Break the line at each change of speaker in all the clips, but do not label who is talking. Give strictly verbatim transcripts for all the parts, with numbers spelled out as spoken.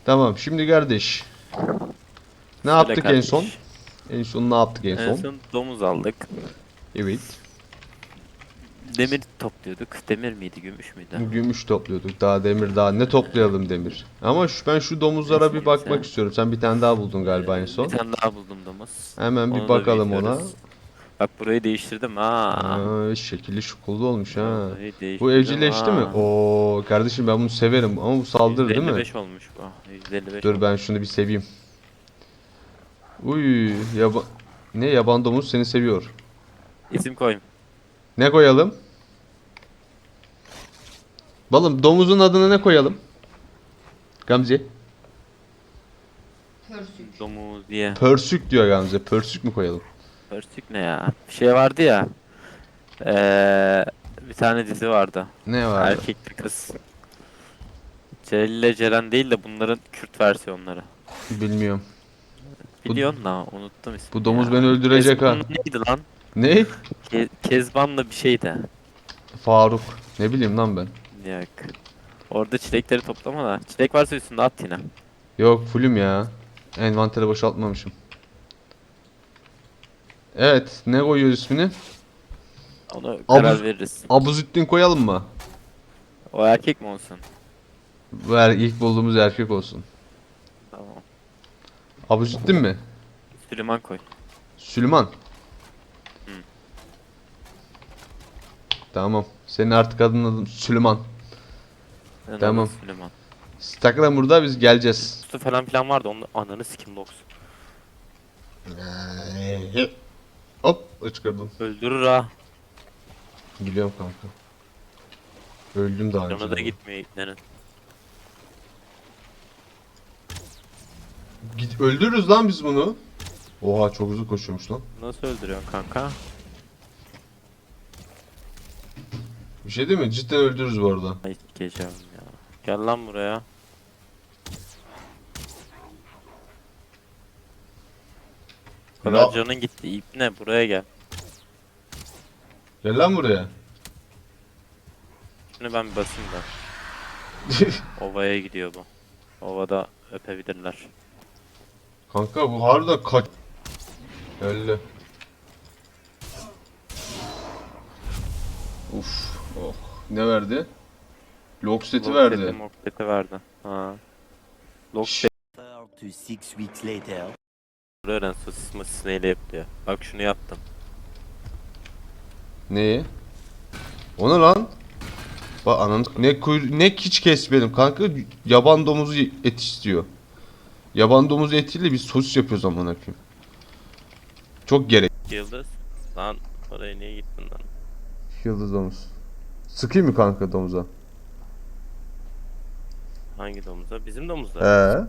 Tamam şimdi kardeş. Ne
Söyle
yaptık en
kardeş.
son? En son ne yaptık en
En
son?
son domuz aldık.
Evet.
Demir topluyorduk. Demir miydi, gümüş müydü?
Gümüş topluyorduk. Daha demir daha ne toplayalım demir. Ama şu, ben şu domuzlara bir
Neyse.
bakmak istiyorum. Sen bir tane daha buldun galiba en
Ee, bir
son.
tane daha buldum domuz.
Hemen bir
Onu da
bakalım ona.
büyütüyoruz. Bak burayı değiştirdim ha.
Aa, şekilli şukullu olmuş ha.
Vallahi
Bu
değiştirdim
evcilleşti mi?
ha.
Oo kardeşim ben bunu severim ama bu saldırır değil mi?
yüz elli beş olmuş bu. yüz elli beş
Dur
olmuş.
ben şunu bir seveyim. Uy yaba ne yaban domuz seni seviyor.
İsim koyayım.
Ne koyalım? Balım domuzun adına ne koyalım? Gamze.
Pörsük.
Domuz diye.
Pörsük diyor Gamze. Pörsük mü koyalım?
Pörsük ne ya? Bir şey vardı ya. Ee, bir tane dizi vardı.
Ne vardı?
Erkekli kız. Celil ile Ceren değil de bunların Kürt versiyonları.
Bilmiyorum. Bu,
Biliyorsun da unuttum
bu
ismini
domuz
ya.
beni öldürecek ha.
Kezban'la neydi lan?
Ne?
Ke Kezban'la bir şeydi.
Faruk. Ne bileyim lan ben.
Yok. Orada çilekleri toplama da. Çilek varsa üstünde at yine.
Yok fullüm ya. Envantere boşaltmamışım. Evet. Ne koyuyoruz ismini?
Onu
Abuz,
karar veririz.
Abuzüddin koyalım mı?
O erkek mi olsun?
Bu er, ilk bulduğumuz erkek olsun.
Tamam.
Abuzüddin mi?
Süleyman koy.
Süleyman.
Hı.
Tamam. Senin artık adın adın Süleyman.
Ben
Tamam.
adı Süleyman.
Siz takılın burada biz geleceğiz.
Üstü falan filan vardı. Onun ananı sikim box.
Hop ıçkırdım.
Öldürür ha.
Biliyorum kanka. Öldüm daha önce.
Canı da
de.
gitmiyor iplerin.
Git öldürürüz lan biz bunu. Oha çok hızlı koşuyormuş lan.
Nasıl öldürüyorsun kanka?
Bir şey değil mi? Cidden öldürürüz bu arada.
Ay sikeceğim ya. Gel lan buraya. Bu kadar
Ya-
canın gitti. İp ne? Buraya gel.
Gel lan buraya.
Şimdi ben bir basayım da. Ovaya gidiyor bu. Ovada öpebilirler.
Kanka bu harbiden kaç... Öldü. Uf. Oh. Ne verdi? Lok seti verdi.
Mokleti verdi. Ha. Lok
Şşş.
seti
to six weeks later.
öğren sosis masis neyle yapıyor. Bak şunu yaptım.
Neyi? O ne lan? Bak ananı ne kuyru ne hiç kesmedim kanka yaban domuzu et istiyor. Yaban domuzu etiyle biz sosis yapıyoruz amına koyayım. Çok gerek.
Yıldız. Lan oraya niye gittin lan?
Yıldız domuz. Sıkayım mı kanka domuza?
Hangi domuzda? Bizim domuzda.
Ee?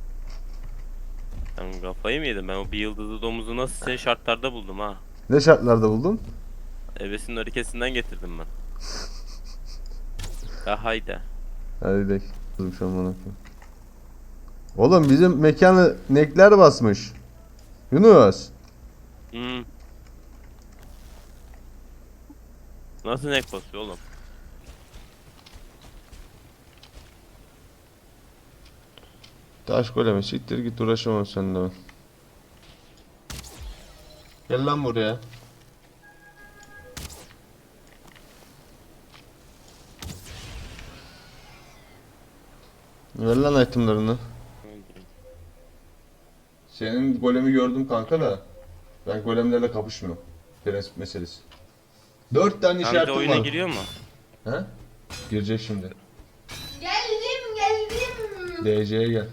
Ben kafayı mı yedim? Ben o bir yıldızlı domuzu nasıl senin şartlarda buldum ha?
Ne şartlarda buldun?
Ebesinin hareketinden getirdim ben. Ya haydi.
Hadi de kızım şu an amına koyayım. Oğlum bizim mekanı nekler basmış. Yunus.
Hmm. Nasıl nek basıyor oğlum?
Taş goleme siktir git uğraşamam seninle ben. Gel lan buraya. Ver lan itemlarını. Senin golemi gördüm kanka da. Ben golemlerle kapışmıyorum. Prensip meselesi. Dört tane
Hem de
işaretim
oyuna
var.
giriyor mu?
He? Girecek şimdi.
Geldim geldim.
D C'ye gel.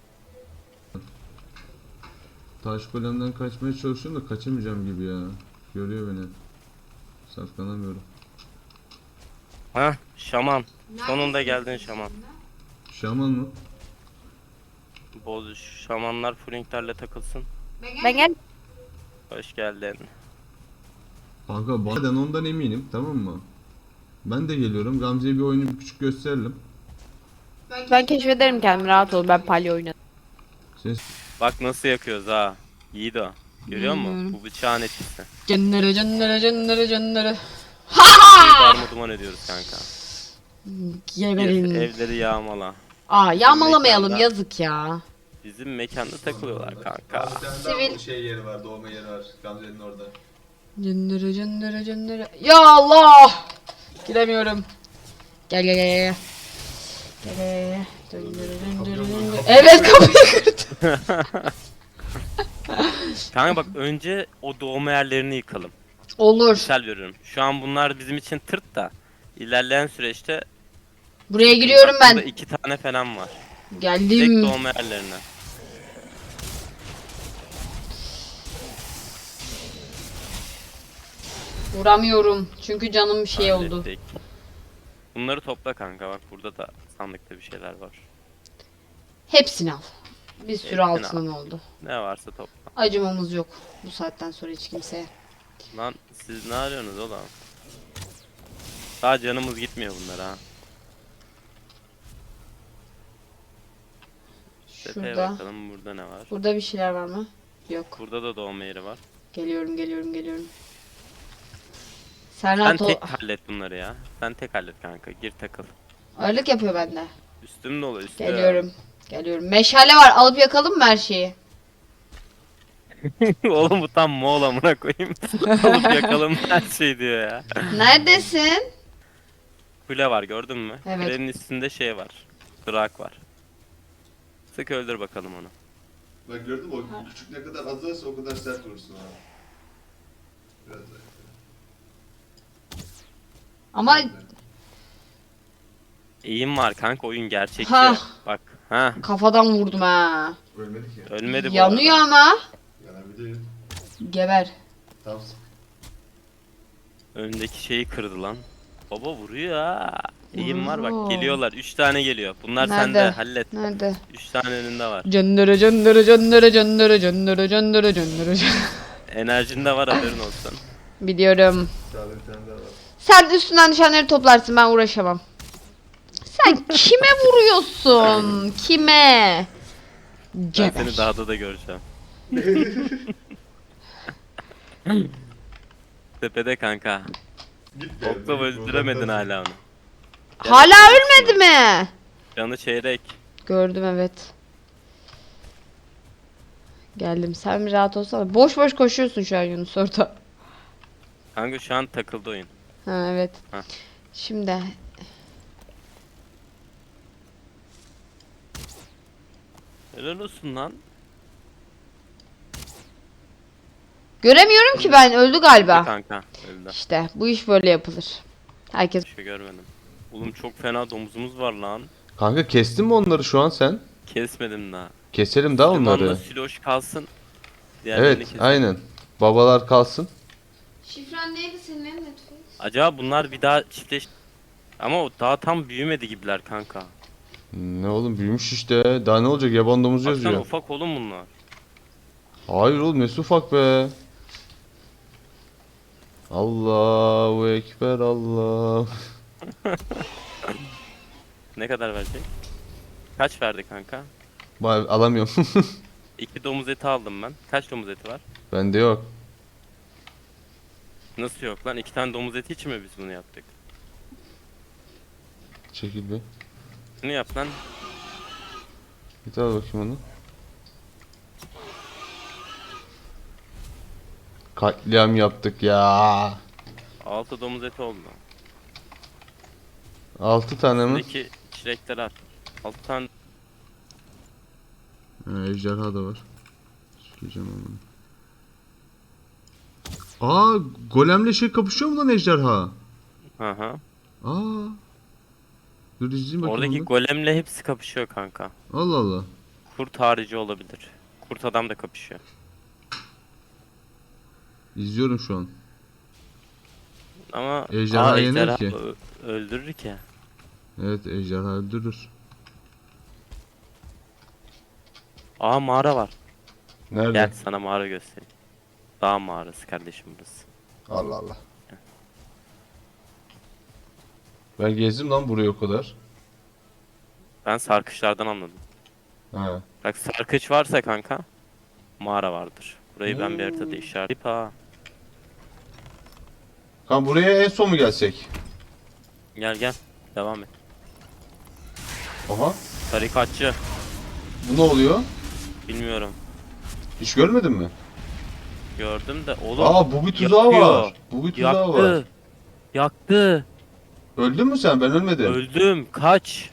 Taş golemden kaçmaya çalışıyorum da kaçamayacağım gibi ya. Görüyor beni. Saklanamıyorum.
Ha, şaman. Sonunda
Neredesin
geldin
sen
şaman.
şimdi?
Şaman mı?
Boz şamanlar fullinglerle takılsın.
Ben
Ben
geldim.
gel.
Hoş geldin.
Kanka ben ondan eminim tamam mı? Ben de geliyorum. Gamze'ye bir oyunu bir küçük gösterelim.
Ben keşfederim kendimi, rahat ol, ben palyo oynadım.
Sen
Bak nasıl yakıyoruz ha. İyi de. Görüyor musun? Bu bıçağın etkisi.
Cennere cennere cennere cennere.
Şimdi darma duman ediyoruz kanka. Gir,
Geberin.
evleri yağmala.
Aa yağmalamayalım
Mekanda-
yazık ya.
Bizim mekanda takılıyorlar kanka.
Sivil.
şey yeri var, doğma yeri var. Gamze'nin orada.
Cındırı cındırı cındırı. Ya Allah! Giremiyorum. Gel gel gel gel. Gel gel gel. Cındırı cındırı cındırı. Evet kapıyı kırdı.
Kanka bak önce o doğma yerlerini yıkalım.
Olur.
Misal veriyorum. Şu an bunlar bizim için tırt da ilerleyen süreçte
Buraya giriyorum
bak burada
ben.
iki tane falan var. Tek
Geldim.
doğma yerlerine.
Vuramıyorum. Çünkü canım bir şey oldu.
Hallettik. Bunları topla kanka bak burada da sandıkta bir şeyler var.
Hepsini al. Bir sürü
Hepsini
altınım oldu.
Ne varsa topla.
Acımamız yok. Bu saatten sonra hiç kimseye.
Lan siz ne arıyorsunuz oğlum? Daha canımız gitmiyor bunlara ha. Tepeye
Şurada.
bakalım burada ne var.
Burada bir şeyler var mı? Yok.
Burada da doğma yeri var.
Geliyorum geliyorum geliyorum. Sen
Sen
rahat ol.
tek hallet bunları ya. Sen tek hallet kanka. Gir takıl.
Ağırlık yapıyor bende.
Üstüm dolu üstüm.
Geliyorum. Geliyorum. Meşale var. Alıp yakalım mı her şeyi?
Oğlum bu tam Moğol amına koyayım. Alıp yakalım her şey diyor ya.
Neredesin?
Kule var gördün mü?
Evet.
Kulenin üstünde şey var. Drak var. Sık öldür bakalım onu.
Bak gördün mü o küçük ne kadar azalsa o kadar sert vurursun ha. Biraz daha.
Ama
İyiyim var kanka oyun gerçekçi.
Ha.
Bak. Ha.
kafadan vurdum ha.
Ölmedik ya.
Ölmedi bu
Yanıyor
arada.
ama.
Yanabilir.
Geber.
Tamam.
Öndeki şeyi kırdı lan. Baba vuruyor ha. İyiyim var
Oo.
bak geliyorlar. Üç tane geliyor. Bunlar
Nerede?
sende hallet.
Nerede?
Üç tane önünde var.
Cındırı cındırı cındırı cındırı cındırı cındırı cındırı cındırı.
Enerjinde var haberin olsun.
Biliyorum.
Sağda bir tane daha var.
Sen üstünden düşenleri toplarsın, ben uğraşamam. Sen kime vuruyorsun? Kime?
Ben
Geber.
seni dağda da göreceğim. Tepede kanka.
Git be.
Okla öldüremedin hala onu.
Hala ölmedi mi?
Canı çeyrek.
Gördüm evet. Geldim. Sen bir rahat olsana. Boş boş koşuyorsun şu an Yunus orada.
Kanka şu an takıldı oyun.
Ha evet.
Ha.
Şimdi
Helal olsun lan.
göremiyorum ki ben. Öldü galiba.
Kanka öldü.
İşte bu iş böyle yapılır. Herkes
Bir şey görmedim. Oğlum çok fena domuzumuz var lan.
Kanka kestin mi onları şu an sen?
Kesmedim daha.
Keselim daha
Limanla
onları.
siloş kalsın. Diğerlerini
Evet
keselim.
aynen. Babalar kalsın.
Şifren neydi senin Netflix?
Acaba bunlar bir daha çiftleş... Ama o daha tam büyümedi gibiler kanka.
Ne oğlum büyümüş işte. Daha ne olacak yaban domuzu
Baksana
yazıyor.
ufak oğlum bunlar.
Hayır oğlum nesi ufak be. Allahu Ekber Allah.
Ne kadar verecek? Kaç verdi kanka?
Vay, alamıyorum.
İki domuz eti aldım ben. Kaç domuz eti var?
Bende yok.
Nasıl yok lan? İki tane domuz eti için mi biz bunu yaptık?
Çekil bir.
Şunu yap lan.
Bir daha bakayım onu. Katliam yaptık ya.
Altı domuz eti oldu.
Altı tane mi?
Buradaki çilekleri at. Altı tane
Ha, ejderha da var. Sikeceğim onu. Aa, golemle şey kapışıyor mu lan ejderha?
Hı hı.
Aa. Dur izleyeyim bakayım
Oradaki
onu.
golemle hepsi kapışıyor kanka.
Allah Allah.
Kurt harici olabilir. Kurt adam da kapışıyor.
İzliyorum şu an.
Ama
Ejderha
aa,
yener
ejderha
ki.
ö- öldürür ki.
Evet ejderha öldürür.
Aa mağara var.
Nerede?
Gel sana mağara göstereyim. Dağ mağarası kardeşim burası.
Allah Allah. Ben gezdim lan burayı o kadar.
Ben sarkışlardan anladım.
Ha.
Bak sarkıç varsa kanka mağara vardır. Burayı ben bir haritada işaretleyip ha.
Kan buraya en son mu gelsek?
Gel gel. Devam et.
Aha.
Tarikatçı.
Bu ne oluyor?
Bilmiyorum.
Hiç görmedin mi?
Gördüm de oğlum.
Aa bu bir tuzağı
yakıyor.
var. Bu bir tuzağı var.
Yaktı. Yaktı.
Öldün mü sen? Ben ölmedim.
Öldüm. Kaç.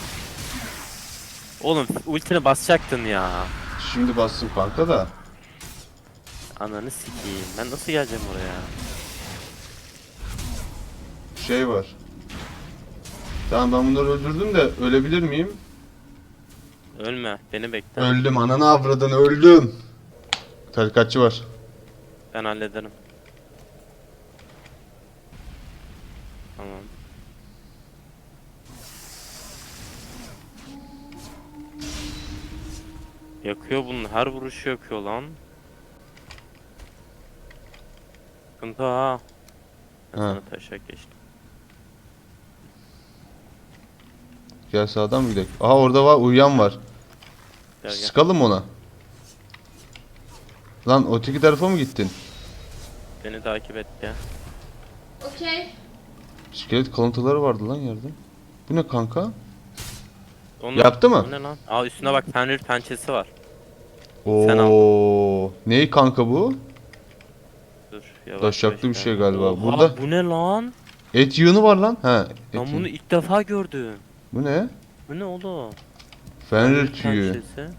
Oğlum ultini basacaktın ya.
Şimdi bastım kanka da.
Ananı sikeyim. Ben nasıl geleceğim oraya?
Şey var. Tamam ben bunları öldürdüm de ölebilir miyim?
Ölme. Beni bekle.
Öldüm ananı avradını öldüm. Tarikatçı var.
Ben hallederim. Tamam. Yakıyor bunun. Her vuruşu yakıyor lan. Sıkıntı ha. Ben
Ha.
sana taşak geçtim.
Gel sağdan mı gidelim? Aha orada var uyuyan var.
Gel gel.
Sıkalım ona. Lan öteki tarafa mı gittin?
Beni takip et ya.
Okey.
İskelet kalıntıları vardı lan yerde. Bu ne kanka?
Onu,
Yaptı mı?
o ne lan? Aa üstüne bak Fenrir pençesi var. Sen al.
Oo. Ney kanka bu?
Dur yavaş
Taşaklı
yavaş
bir şey
gel.
galiba.
Oha,
Burada
bu ne lan?
et yığını var lan. Ha. Et
Ben
yığını.
bunu ilk defa gördüm.
Bu ne?
Bu ne oğlum?
Fenrir tüyü.
pençesi.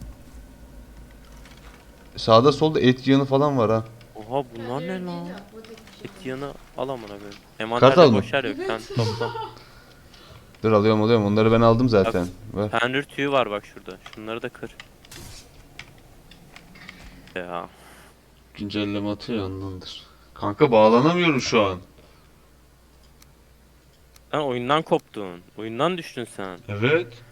Sağda solda et yığını falan var ha.
Oha bunlar ne
Hayır,
lan?
değil o, buradaki şey.
Et yanı al amına koyayım.
Kartal
Envanterde
mı?
boş yer yok sen topla.
Dur alıyorum alıyorum. Onları ben aldım zaten. Ver.
Fenrir tüyü var bak şurada. Şunları da kır. Ya.
Güncelleme atıyor ondandır. Kanka bağlanamıyorum şu an.
Sen oyundan koptun. Oyundan düştün sen.
Evet.